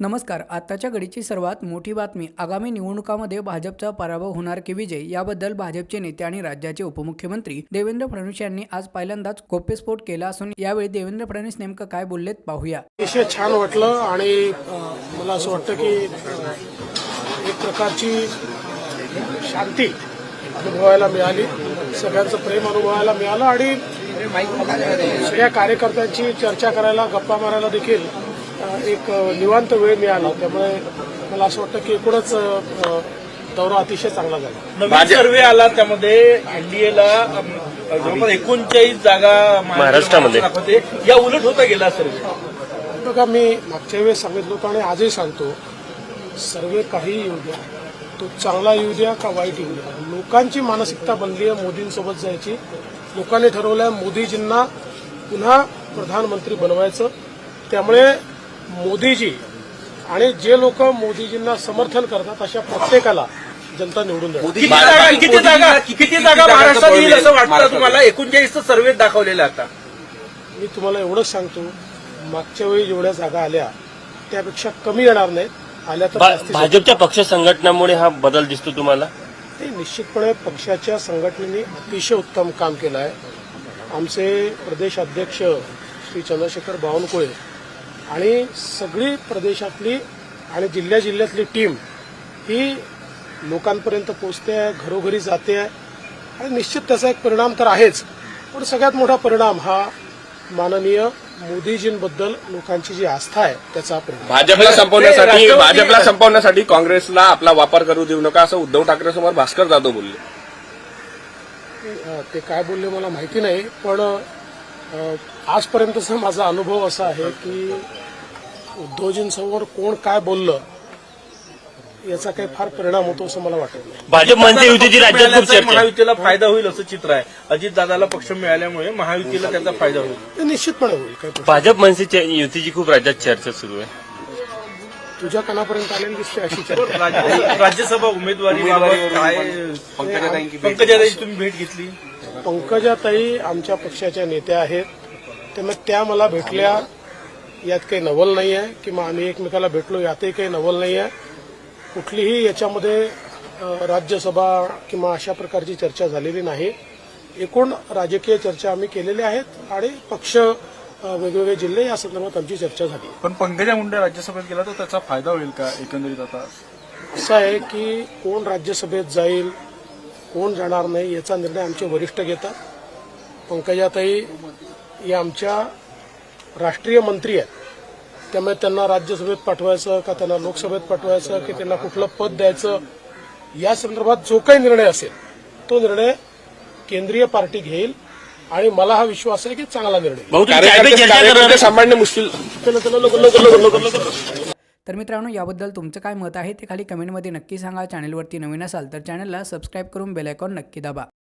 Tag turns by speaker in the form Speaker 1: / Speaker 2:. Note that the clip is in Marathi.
Speaker 1: नमस्कार. आताच्या घडीची सर्वात मोठी बातमी. आगामी निवडणुकांमध्ये भाजपचा पराभव होणार की विजय याबद्दल भाजपचे नेते आणि राज्याचे उपमुख्यमंत्री देवेंद्र फडणवीस यांनी आज पहिल्यांदाच गौप्यस्फोट केला असून यावेळी देवेंद्र फडणवीस नेमकं काय बोललेत पाहूया.
Speaker 2: अतिशय छान वाटलं आणि मला असं वाटतं की एक प्रकारची शांती अनुभवायला मिळाली, सगळ्यांचं प्रेम अनुभवायला मिळालं आणि सगळ्या कार्यकर्त्यांची चर्चा करायला, गप्पा मारायला देखील एक निवांत वेळ मिळाला. त्यामुळे मला असं वाटतं की एकूणच दौरा अतिशय चांगला झाला.
Speaker 3: नवीन सर्वे आला, त्यामध्ये एनडीएला जवळपास 39 जागा महाराष्ट्रामध्ये या उलट होता गेला सर्वे.
Speaker 2: बघा, मी मागच्या वेळेस सांगितलं होतं आणि आजही सांगतो, सर्वे काही येऊ द्या, तो चांगला येऊ द्या का वाईट येऊ द्या, लोकांची मानसिकता बनली आहे मोदींसोबत जायची. लोकांनी ठरवलं आहे मोदीजींना पुन्हा प्रधानमंत्री बनवायचं. त्यामुळे मोदीजी आणि जे लोक मोदीजींना समर्थन करतात अशा प्रत्येकाला जनता निवडून देणार.
Speaker 3: किती जागा महाराष्ट्रात येईल असं वाटतं तुम्हाला? 39 सर्वे दाखवलेल्या आता.
Speaker 2: मी तुम्हाला एवढंच सांगतो, मागच्या वेळी जेवढ्या जागा आल्या त्यापेक्षा कमी येणार नाहीत. आल्या तर
Speaker 4: भाजपच्या पक्ष संघटनामुळे हा बदल दिसतो तुम्हाला?
Speaker 2: ते निश्चितपणे पक्षाच्या संघटनेने अतिशय उत्तम काम केलं आहे. आमचे प्रदेश अध्यक्ष श्री चंद्रशेखर बावनकुळे आणि सगळी प्रदेशातली आणि जिल्ह्यातली टीम ही लोकांपर्यंत पोहोचते आहे, घरोघरी जाते आहे आणि निश्चित त्याचा एक परिणाम तर आहेच, पण सगळ्यात मोठा परिणाम हा माननीय मोदीजींबद्दल लोकांची जी आस्था आहे त्याचा परिणाम.
Speaker 5: भाजपला संपवण्यासाठी काँग्रेसला आपला वापर करू देऊ नका असं उद्धव ठाकरे समोर भास्कर जाधव बोलले.
Speaker 2: ते काय बोलले मला माहिती नाही, पण आजपर्यंतचा माझा अनुभव असा आहे की उद्धवजींसमोर कोण काय बोललं याचा काही फार परिणाम होतो असं मला वाटत नाही.
Speaker 4: भाजप म्हणते युतीची राज्यात खूप चर्चा,
Speaker 3: महायुतीला फायदा होईल असं चित्र आहे. अजितदादाला पक्ष मिळाल्यामुळे महायुतीला त्याचा फायदा होईल.
Speaker 2: ते निश्चितपणे होईल. काही
Speaker 4: भाजप म्हणते युतीची खूप राज्यात चर्चा सुरू आहे.
Speaker 2: तुझ्या कानापर्यंत आलेली दिसते अशी चर्चा.
Speaker 3: राज्यसभा उमेदवारी पंकजाताईंची तुम्ही भेट घेतली?
Speaker 2: पंकजाताई आमच्या पक्षाच्या नेत्या आहेत, त्यामुळे त्या मला भेटल्या यात काही नवल नाही आहे, किंवा आम्ही एकमेकाला भेटलो यातही काही नवल नाही आहे. कुठलीही याच्यामध्ये राज्यसभा किंवा अशा प्रकारची चर्चा झालेली नाही. एकूण राजकीय चर्चा आम्ही केलेल्या आहेत आणि पक्ष वेगवेगळे जिल्हे या संदर्भात आमची चर्चा झाली.
Speaker 6: पण पंकजा मुंडे राज्यसभेत गेला तर त्याचा फायदा होईल का एकंदरीत? आता
Speaker 2: असं आहे की कोण राज्यसभेत जाईल, कोण जाणार नाही याचा निर्णय आमचे वरिष्ठ घेतात. पंकजाताई या आमच्या राष्ट्रीय मंत्री आहेत, त्यामुळे त्यांना राज्यसभेत पाठवायचं का त्यांना लोकसभेत पाठवायचं की त्यांना कुठलं पद द्यायचं या संदर्भात जो काही निर्णय असेल तो निर्णय केंद्रीय पार्टी घेईल आणि मला हा विश्वास आहे की चांगला निर्णय
Speaker 5: सांभाळणे मुश्किल.
Speaker 1: तर मित्रांनो, याबद्दल तुमचं काय मत आहे ते खाली कमेंटमध्ये नक्की सांगा. चॅनलवरती नवीन असाल तर चॅनलला सबस्क्राईब करून बेल आयकॉन नक्की दाबा.